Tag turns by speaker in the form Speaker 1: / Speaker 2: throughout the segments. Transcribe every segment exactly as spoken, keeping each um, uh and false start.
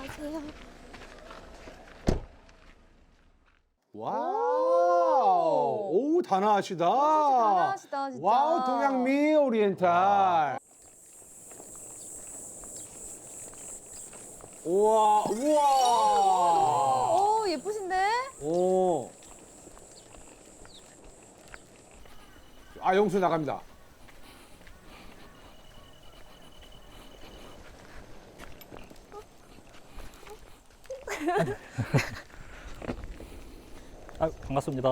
Speaker 1: 안녕하세요.
Speaker 2: 와우. 오, 단아하시다.
Speaker 3: 단아하시다, 진짜.
Speaker 2: 와우, 동양미 오리엔탈. 우와, 우와.
Speaker 3: 오, 예쁘신데?
Speaker 2: 오. 아, 영수 나갑니다.
Speaker 4: 아, 반갑습니다.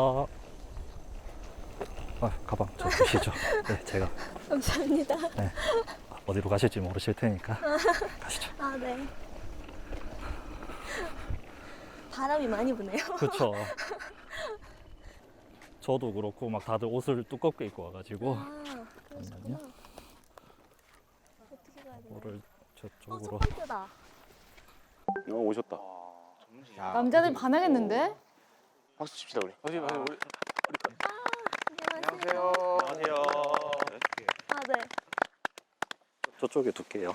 Speaker 4: 아, 가방 좀 주시죠. 네, 제가
Speaker 1: 감사합니다.
Speaker 4: 네, 어디로 가실지 모르실 테니까 가시죠.
Speaker 1: 아, 네. 바람이 많이 부네요.
Speaker 4: 그렇죠. 저도 그렇고 막 다들 옷을 두껍게 입고 와가지고
Speaker 1: 아, 그러시구나. 어떻게 가야 되나?
Speaker 4: 뭐를
Speaker 1: 어, 첫
Speaker 4: 저쪽으로.
Speaker 1: 번째다.
Speaker 5: 어, 오셨다.
Speaker 2: 자,
Speaker 3: 남자들 반하겠는데?
Speaker 5: 박수 칩시다 우리.
Speaker 6: 어디 어디 우리
Speaker 1: 안녕하세요.
Speaker 6: 안녕하세요.
Speaker 1: 아, 네.
Speaker 4: 저쪽에 둘게요.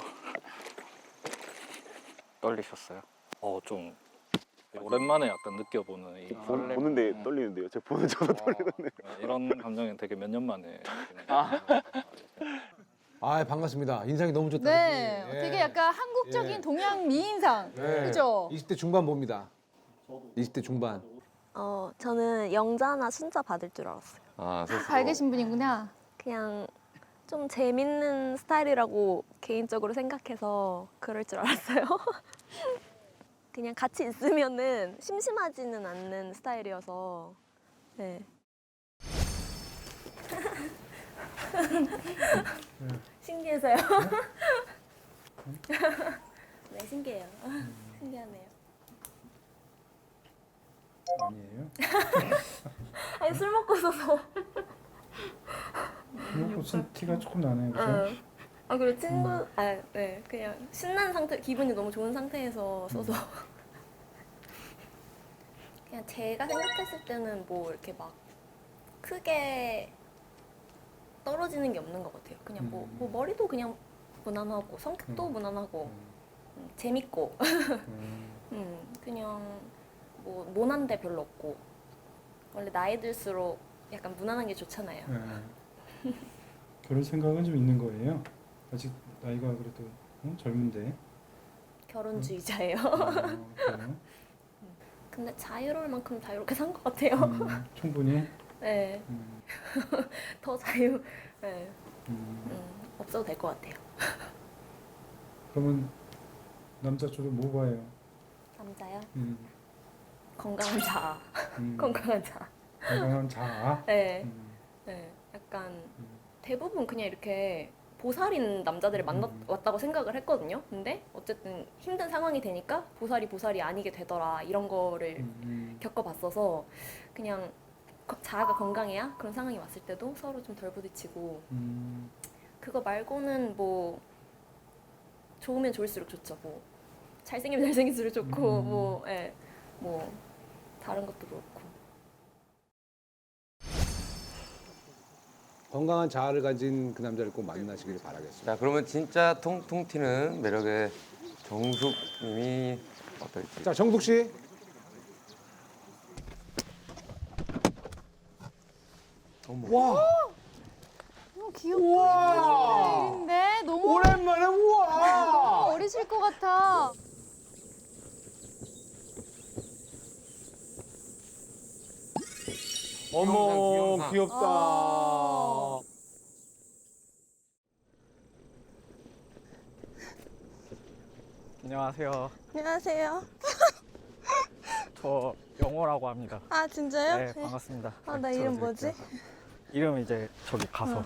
Speaker 4: 떨리셨어요? 어, 좀 오랜만에 약간 느껴보는 이
Speaker 5: 보, 보는데
Speaker 4: 음.
Speaker 5: 떨리는데요. 제 보는 저도 떨리는데.
Speaker 4: 어, 이런 감정은 되게 몇 년 만에 느끼는
Speaker 6: 아.
Speaker 4: 거예요.
Speaker 2: 아, 반갑습니다. 인상이 너무 좋다.
Speaker 3: 네,
Speaker 2: 예.
Speaker 3: 되게 약간 한국적인
Speaker 2: 예.
Speaker 3: 동양 미인상.
Speaker 2: 네.
Speaker 3: 그죠?
Speaker 2: 이십 대 중반 봅니다. 이십 대 중반.
Speaker 1: 어, 저는 영자나 순자 받을 줄 알았어요.
Speaker 5: 아,
Speaker 3: 밝으신 분이구나.
Speaker 1: 그냥 좀 재밌는 스타일이라고 개인적으로 생각해서 그럴 줄 알았어요. 그냥 같이 있으면은 심심하지는 않는 스타일이어서. 네. 신기해서요. 네, 신기해요. 신기하네요.
Speaker 7: 아니에요?
Speaker 1: 아니, 술 먹고 있어서.
Speaker 7: 먹고 쓴 티가 조금 나네요, 그죠?
Speaker 1: 응. 아, 그리고 친구, 아, 네, 그냥 신난 상태, 기분이 너무 좋은 상태에서 써서. 그냥 제가 생각했을 때는 뭐 이렇게 막 크게 떨어지는 게 없는 것 같아요. 그냥 뭐, 뭐 머리도 그냥 무난하고 성격도
Speaker 7: 음.
Speaker 1: 무난하고 음, 재밌고
Speaker 7: 음,
Speaker 1: 음, 그냥 뭐 모난데 별로 없고 원래 나이 들수록 약간 무난한 게 좋잖아요.
Speaker 7: 네. 그럴 생각은 좀 있는 거예요. 아직 나이가 그래도 어? 젊은데.
Speaker 1: 결혼주의자예요.
Speaker 7: 어, 그래요?
Speaker 1: 근데 자유로울 만큼 자유롭게 산 것 같아요.
Speaker 7: 음, 충분히.
Speaker 1: 네,
Speaker 7: 음,
Speaker 1: 더 자유, 네,
Speaker 7: 음.
Speaker 1: 음, 없어도 될 것 같아요.
Speaker 7: 그러면 남자 쪽은 뭐 봐요?
Speaker 1: 남자요?
Speaker 7: 음,
Speaker 1: 건강한 자,
Speaker 7: 음,
Speaker 1: 건강한 자.
Speaker 7: 건강한 자.
Speaker 1: 네,
Speaker 7: 음,
Speaker 1: 네, 약간
Speaker 7: 음.
Speaker 1: 대부분 그냥 이렇게 보살인 남자들을 만나왔다고 생각을 했거든요. 근데 어쨌든 힘든 상황이 되니까 보살이 보살이 아니게 되더라 이런 거를
Speaker 7: 음,
Speaker 1: 겪어봤어서 그냥 거- 자아가 건강해야 그런 상황이 왔을 때도 서로 좀 덜 부딪히고
Speaker 7: 음,
Speaker 1: 그거 말고는 뭐 좋으면 좋을수록 좋죠. 뭐 잘생기면 잘생길수록 좋고
Speaker 7: 음.
Speaker 1: 뭐, 예, 뭐 다른 것도 그렇고.
Speaker 2: 건강한 자아를 가진 그 남자를 꼭 만나시길 바라겠습니다.
Speaker 8: 자, 그러면 진짜 통통 튀는 매력의 정숙님이 어떨지.
Speaker 2: 자, 정숙 씨. 와,
Speaker 3: 너무 귀엽고
Speaker 2: 우와.
Speaker 3: 일인데 너무
Speaker 2: 오랜만에 우와.
Speaker 3: 어리실 것 같아.
Speaker 2: 어머,
Speaker 8: 항상
Speaker 2: 귀엽다.
Speaker 3: 아.
Speaker 4: 안녕하세요.
Speaker 1: 안녕하세요.
Speaker 4: 저 영호라고 합니다.
Speaker 1: 아 진짜요?
Speaker 4: 네, 반갑습니다.
Speaker 1: 아, 나
Speaker 4: 네,
Speaker 1: 이름
Speaker 4: 들어드릴게요.
Speaker 1: 뭐지?
Speaker 4: 이름 이제 저기 가서.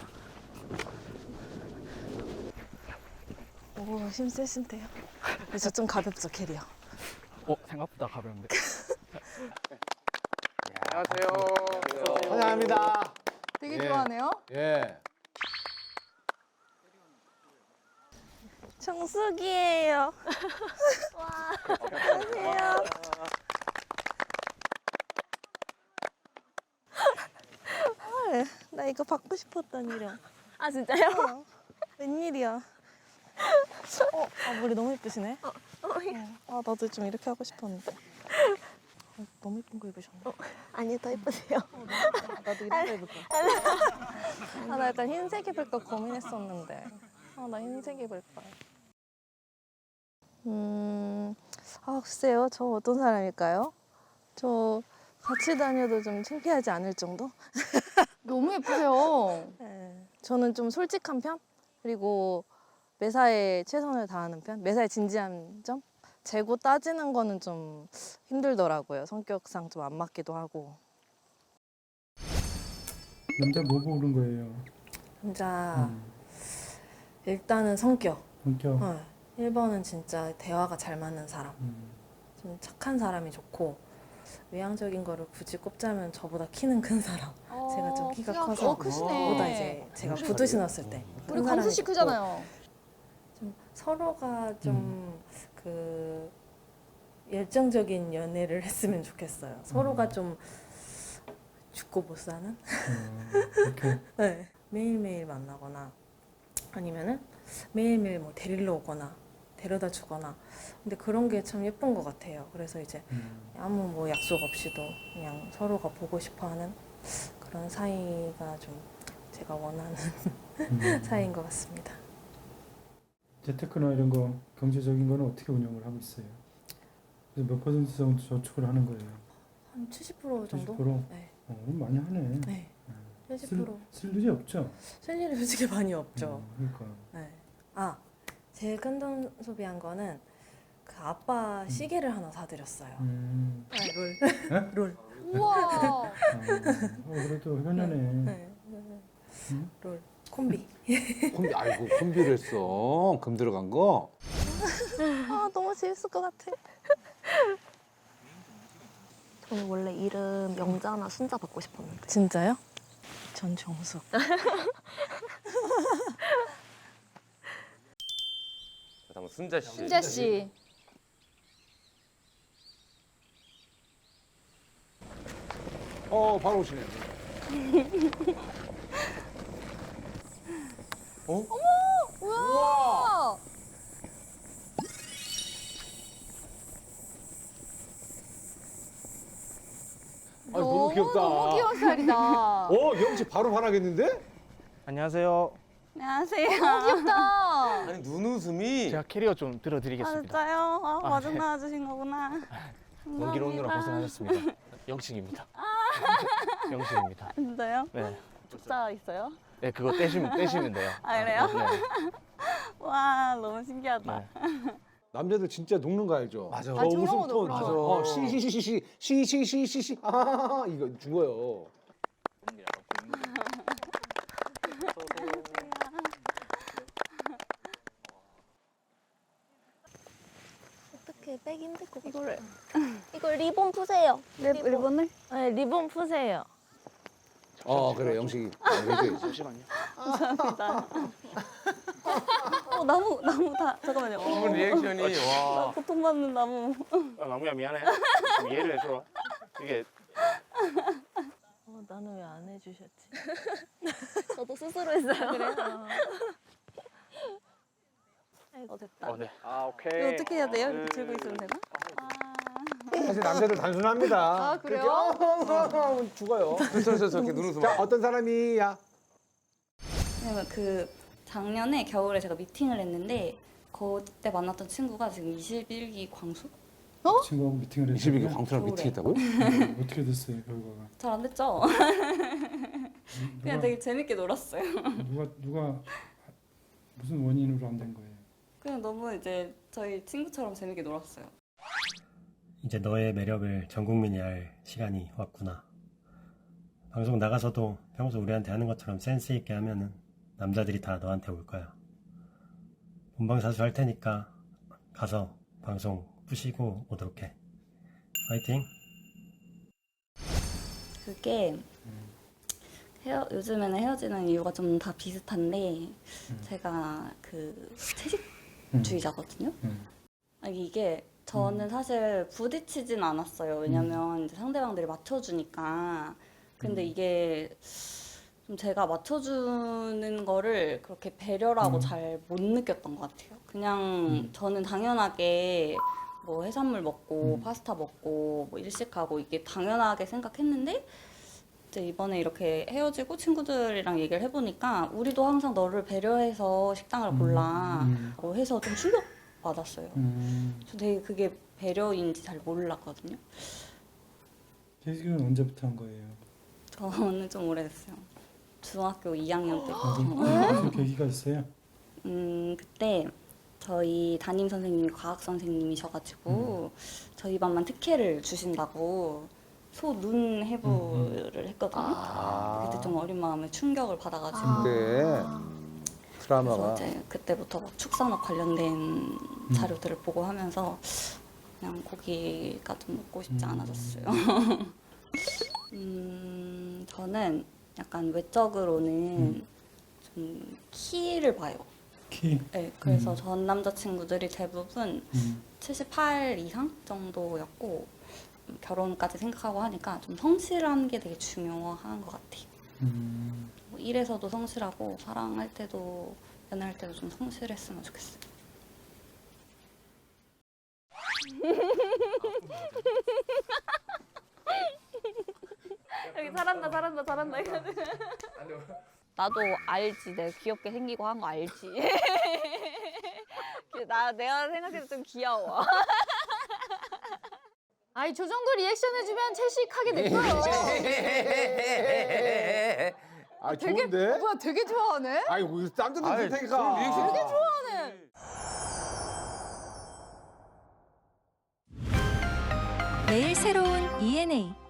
Speaker 9: 오, 힘 세신데요. 저 좀 가볍죠, 캐리어.
Speaker 4: 어, 생각보다 가벼운데.
Speaker 6: 안녕하세요.
Speaker 2: 환영합니다.
Speaker 3: 되게
Speaker 2: 예.
Speaker 3: 좋아하네요.
Speaker 2: 예.
Speaker 1: 정숙이에요. 와, 안녕하세요. 헐, 나 이거 받고 싶었던 이름. 아 진짜요?
Speaker 9: 웬일이야. 어, 아, 머리 너무 예쁘시네.
Speaker 1: 어,
Speaker 9: 아 나도 좀 이렇게 하고 싶었는데. 어, 너무 예쁜 거 입으셨네.
Speaker 1: 아니 더 예쁘세요.
Speaker 9: 나도 이런 거 입을 거야. 아, 나 약간 흰색 입을까 고민했었는데. 아, 나 흰색 입을 거야. 음, 아, 글쎄요. 저 어떤 사람일까요? 저 같이 다녀도 좀 창피하지 않을 정도?
Speaker 3: 너무 예쁘세요.
Speaker 9: 네. 저는 좀 솔직한 편? 그리고 매사에 최선을 다하는 편? 매사에 진지한 점? 재고 따지는 거는 좀 힘들더라고요. 성격상 좀 안 맞기도 하고.
Speaker 7: 남자 뭐 고른 거예요?
Speaker 9: 남자
Speaker 7: 음,
Speaker 9: 일단은 성격.
Speaker 7: 성격.
Speaker 9: 어, 일 번은 진짜 대화가 잘 맞는 사람.
Speaker 7: 음,
Speaker 9: 좀 착한 사람이 좋고 외향적인 거를 굳이 꼽자면 저보다 키는 큰 사람. 제가 좀 키가 커서
Speaker 3: 어, 크시네.
Speaker 9: 보다 이제 제가 구두 신었을 때
Speaker 3: 우리
Speaker 9: 큰
Speaker 3: 광수
Speaker 9: 사람이
Speaker 3: 씨
Speaker 9: 좋고
Speaker 3: 크잖아요.
Speaker 9: 좀 서로가 좀 그 열정적인 연애를 했으면 좋겠어요. 서로가 좀 죽고 못 사는?
Speaker 7: 어, 이렇게.
Speaker 9: 네. 매일매일 만나거나 아니면은 매일매일 뭐 데리러 오거나 데려다 주거나 근데 그런 게 참 예쁜 것 같아요. 그래서 이제
Speaker 7: 음,
Speaker 9: 아무 뭐 약속 없이도 그냥 서로가 보고 싶어하는 그런 사이가 좀 제가 원하는
Speaker 7: 음.
Speaker 9: 사이인 것 같습니다.
Speaker 7: 재테크나 이런 거 경제적인 거는 어떻게 운영을 하고 있어요? 그래서 몇 퍼센트 정도 저축을 하는 거예요?
Speaker 9: 한 칠십 퍼센트 정도?
Speaker 7: 칠십 퍼센트?
Speaker 9: 네.
Speaker 7: 어, 그럼 많이 하네.
Speaker 9: 네. 칠십
Speaker 7: 쓸,
Speaker 9: 퍼센트.
Speaker 7: 쓸 일이 없죠?
Speaker 9: 쓸 일이 솔직히 많이 없죠.
Speaker 7: 어, 그러니까.
Speaker 9: 네. 아, 제일 큰 돈 소비한 거는 그 아빠 시계를 하나 사드렸어요.
Speaker 7: 음,
Speaker 9: 아, 롤. 롤.
Speaker 3: 우와.
Speaker 7: 아, 어, 그래도 효녀네.
Speaker 9: 네.
Speaker 7: 음?
Speaker 9: 롤. 콤비.
Speaker 2: 콤비, 아이고, 콤비를 써. 금 들어간 거.
Speaker 9: 아, 너무 재밌을 것 같아.
Speaker 1: 저는 원래 이름 영자나 순자 받고 싶었는데.
Speaker 9: 진짜요? 전 정숙.
Speaker 8: 다음 순자 씨.
Speaker 3: 순자 씨.
Speaker 2: 어, 바로 오시네.
Speaker 3: 우와.
Speaker 2: 아, 너무 귀엽다.
Speaker 3: 너무 귀여운 스타일이다.
Speaker 2: 어, 영씨 바로 반하겠는데?
Speaker 10: 안녕하세요.
Speaker 11: 안녕하세요.
Speaker 3: 너무 귀엽다.
Speaker 8: 아니 눈웃음이
Speaker 10: 제가 캐리어 좀
Speaker 11: 아,
Speaker 10: 들어드리겠습니다.
Speaker 11: 진짜요? 아,
Speaker 10: 아,
Speaker 11: 마중
Speaker 10: 네.
Speaker 11: 나와주신 거구나.
Speaker 10: 원기로 오느라
Speaker 11: 감사합니다.
Speaker 10: 고생하셨습니다. 영식입니다. 영식입니다.
Speaker 11: 진짜요?
Speaker 10: 네.
Speaker 11: 숫자 있어요?
Speaker 10: 네, 그거 떼시면 떼시면 돼요.
Speaker 11: 아, 그래요?
Speaker 10: 네.
Speaker 11: 와, 너무 신기하다.
Speaker 10: 네.
Speaker 2: 남자들 진짜 녹는 거 알죠?
Speaker 10: 맞아.
Speaker 2: 저
Speaker 3: 아,
Speaker 2: 웃음
Speaker 3: 조용하다,
Speaker 2: 톤.
Speaker 3: 그럼.
Speaker 2: 어, 시시시시시 시시시시시 아, 이거 죽어요.
Speaker 1: 어떻게 빼기 힘들 것 같아. 이거를 이걸 리본 푸세요.
Speaker 11: 리, 리본을?
Speaker 1: 네, 리본 푸세요.
Speaker 2: 어, 그래, 영식이. 해줘야지.
Speaker 10: 잠시만요.
Speaker 11: 감사합니다. 어, 나무, 나무 다, 잠깐만요.
Speaker 8: 어, 리액션이
Speaker 11: 나
Speaker 8: 와.
Speaker 11: 고통받는 나무.
Speaker 10: 아, 나무야 미안해. 좀 이해를 해줘. 이게
Speaker 9: 어, 나는 왜 안 해주셨지?
Speaker 1: 저도 스스로 했어요.
Speaker 9: 그래요?
Speaker 1: 아이고 됐다.
Speaker 10: 어, 네.
Speaker 2: 아, 오케이.
Speaker 11: 이거 어떻게 해야 돼요? 이렇게 들고 있으면 되나?
Speaker 2: 사실 남자들 단순합니다.
Speaker 3: 아, 그래요?
Speaker 2: 그렇게 죽어요.
Speaker 8: 그래서 저렇게 눈웃음.
Speaker 2: 자, 어떤 사람이야?
Speaker 11: 왜냐면 그 작년에 겨울에 제가 미팅을 했는데 그때 만났던 친구가 지금 이십일 기 광수?
Speaker 7: 친구하고 미팅을
Speaker 2: 이십일 기
Speaker 7: 했는데
Speaker 2: 광수랑
Speaker 11: 겨울에.
Speaker 2: 미팅했다고요?
Speaker 7: 음, 어떻게 됐어요 결과가?
Speaker 11: 잘 안 됐죠?
Speaker 7: 음, 누가,
Speaker 11: 그냥 되게 재밌게 놀았어요.
Speaker 7: 누가 누가 무슨 원인으로 안 된 거예요?
Speaker 11: 그냥 너무 이제 저희 친구처럼 재밌게 놀았어요.
Speaker 12: 이제 너의 매력을 전 국민이 알 시간이 왔구나. 방송 나가서도 평소 우리한테 하는 것처럼 센스 있게 하면은 남자들이 다 너한테 올 거야. 본방사수 할 테니까 가서 방송 푸시고 오도록 해. 화이팅!
Speaker 11: 그게 헤어, 요즘에는 헤어지는 이유가 좀 다 비슷한데 제가 그 채식주의자거든요.
Speaker 7: 음.
Speaker 11: 아니, 이게 저는 사실 부딪히진 않았어요. 왜냐면 이제 상대방들이 맞춰주니까. 근데
Speaker 7: 음.
Speaker 11: 이게 좀 제가 맞춰주는 거를 그렇게 배려라고
Speaker 7: 음.
Speaker 11: 잘 못 느꼈던 것 같아요. 그냥
Speaker 7: 음.
Speaker 11: 저는 당연하게 뭐 해산물 먹고
Speaker 7: 음.
Speaker 11: 파스타 먹고 뭐 일식하고 이게 당연하게 생각했는데 이제 이번에 이렇게 헤어지고 친구들이랑 얘기를 해보니까 우리도 항상 너를 배려해서 식당을 골라
Speaker 7: 음.
Speaker 11: 고 해서 좀 충격 받았어요.
Speaker 7: 음.
Speaker 11: 저 되게 그게 배려인지 잘 몰랐거든요.
Speaker 7: 계획은 언제부터 한 거예요?
Speaker 11: 저는 좀 오래됐어요. 중학교 이 학년 때부터.
Speaker 7: 아, 무슨 계기가 있어요?
Speaker 11: 음 그때 저희 담임 선생님이 과학 선생님이셔가지고 저희 반만 특혜를 주신다고 소 눈 해부를 했거든요.
Speaker 2: 아.
Speaker 11: 그때 좀 어린 마음에 충격을 받아가지고
Speaker 2: 근데
Speaker 11: 그래서
Speaker 2: 드라마가
Speaker 11: 이제 그때부터 막 축산업 관련된 자료들을 보고 하면서 그냥 고기가 좀 먹고 싶지
Speaker 7: 음.
Speaker 11: 않아졌어요. 음 저는 약간 외적으로는
Speaker 7: 음.
Speaker 11: 좀 키를 봐요.
Speaker 7: 키.
Speaker 11: 네, 그래서
Speaker 7: 음.
Speaker 11: 전 남자친구들이 대부분
Speaker 7: 음.
Speaker 11: 칠십팔 이상 정도였고 음, 결혼까지 생각하고 하니까 좀 성실한 게 되게 중요한 것 같아요.
Speaker 7: 음.
Speaker 11: 뭐 일에서도 성실하고 사랑할 때도 연애할 때도 좀 성실했으면 좋겠어요.
Speaker 1: 여기 잘한다 잘한다 잘한다 나도 알지. 내가 귀엽게 생기고 한 거 알지. 나 내가 생각해도 좀 귀여워.
Speaker 3: 아이 저 정도 리액션 해주면 채식하게 냅둬요.
Speaker 2: 아
Speaker 3: 되게
Speaker 2: 좋은데?
Speaker 3: 뭐야 되게 좋아하네.
Speaker 2: 아이 뭐 땀좀
Speaker 8: 아이,
Speaker 2: 들 테니까.
Speaker 8: 그런 리액션
Speaker 3: 되게 좋아하네.
Speaker 13: 매일 새로운 이엔에이